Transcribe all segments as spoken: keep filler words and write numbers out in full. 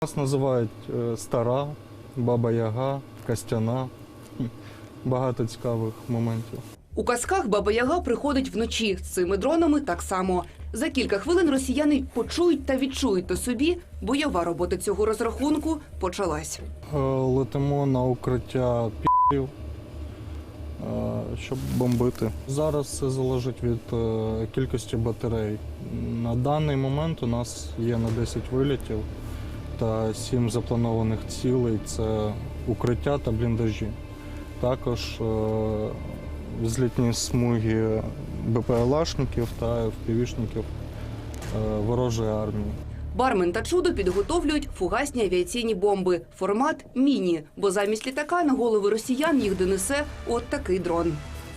Нас називають стара, баба-яга, костяна. Багато цікавих моментів. У казках Баба-Яга приходить вночі. З цими дронами так само. За кілька хвилин росіяни почують та відчують на собі. Бойова робота цього розрахунку почалась. Летимо на укриття пі***ів, щоб бомбити. Зараз все залежить від кількості батарей. На даний момент у нас є на десять вилітів та сім запланованих цілей – це укриття та бліндажі. Також взлітні смуги БПЛАшників та ефпівішників ворожої армії. Бармен та чудо підготовлюють фугасні авіаційні бомби. Формат – міні, бо замість літака на голови росіян їх донесе от такий дрон.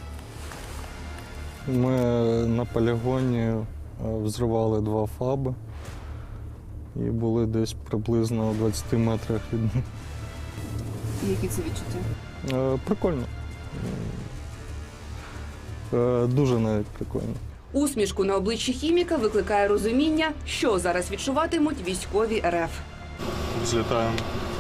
Ми на полігоні взривали два фаби і були десь приблизно у двадцяти метрах від них. Які це відчуття? Прикольно. Дуже навіть прикольно. Усмішку на обличчі хіміка викликає розуміння, що зараз відчуватимуть військові РФ. Злітаємо.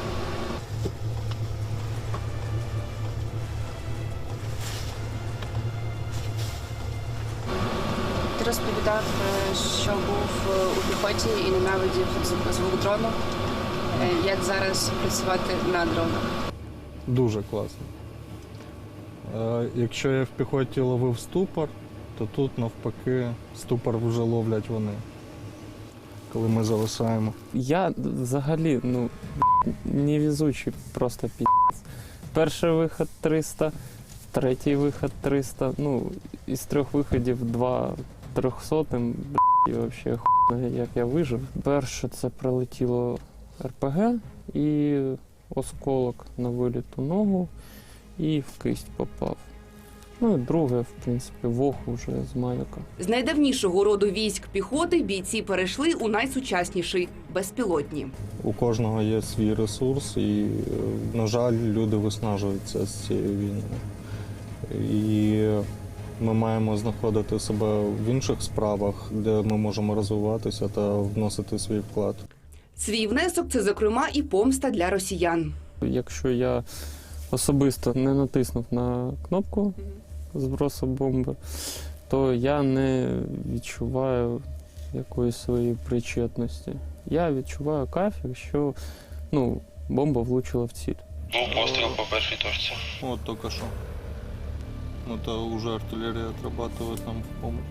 Ти розповідав, що був у піхоті і ненавидів звук дрону. Як зараз працювати на дронах? Дуже класно. Якщо я в піхоті ловив ступор, то тут навпаки ступор вже ловлять вони, коли ми зависаємо. Я взагалі ну, невезучий просто пі***ць. Перший вихід триста, третій вихід триста, ну, із трьох виходів два трьохсотим, і взагалі хуй, як я вижив. Перше це прилетіло ер пе ге і осколок на виліту ногу і в кисть попав. Ну і друге, в принципі, в оху вже з маяка. З найдавнішого роду військ піхоти бійці перейшли у найсучасніший – безпілотні. У кожного є свій ресурс і, на жаль, люди виснажуються з цією війною. І ми маємо знаходити себе в інших справах, де ми можемо розвиватися та вносити свій вклад. Свій внесок – це, зокрема, і помста для росіян. Якщо я особисто не натиснув на кнопку збросу бомби, то я не відчуваю якоїсь своєї причетності. Я відчуваю кайф, якщо ну, бомба влучила в ціль. Був постріл по першій точці. От тільки що. Это уже артиллерия отрабатывает нам в помощь.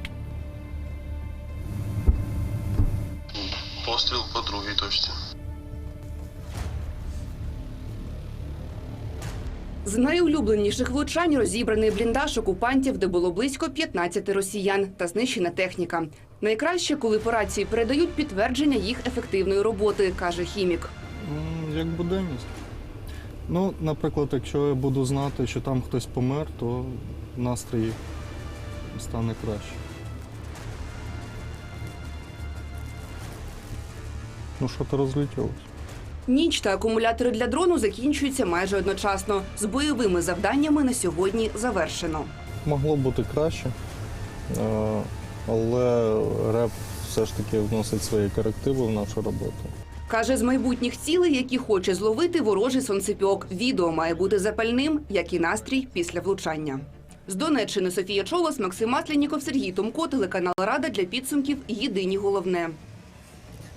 Постріл по другій точці. З найулюбленіших влучань розібраний бліндаж окупантів, де було близько п'ятнадцяти росіян та знищена техніка. Найкраще, коли по рації передають підтвердження їх ефективної роботи, каже хімік. Як буденність. Ну, наприклад, якщо я буду знати, що там хтось помер, то настрій стане краще. Ну, що-то розлетілося. Ніч та акумулятори для дрону закінчуються майже одночасно. З бойовими завданнями на сьогодні завершено. Могло бути краще, але РЕП все ж таки вносить свої корективи в нашу роботу. Каже, з майбутніх цілей, які хоче зловити ворожий сонцепьок. Відео має бути запальним, як і настрій після влучання. З Донеччини Софія Чолос, Максим Масленніков, Сергій Томко, телеканал Рада для підсумків «Єдині головне».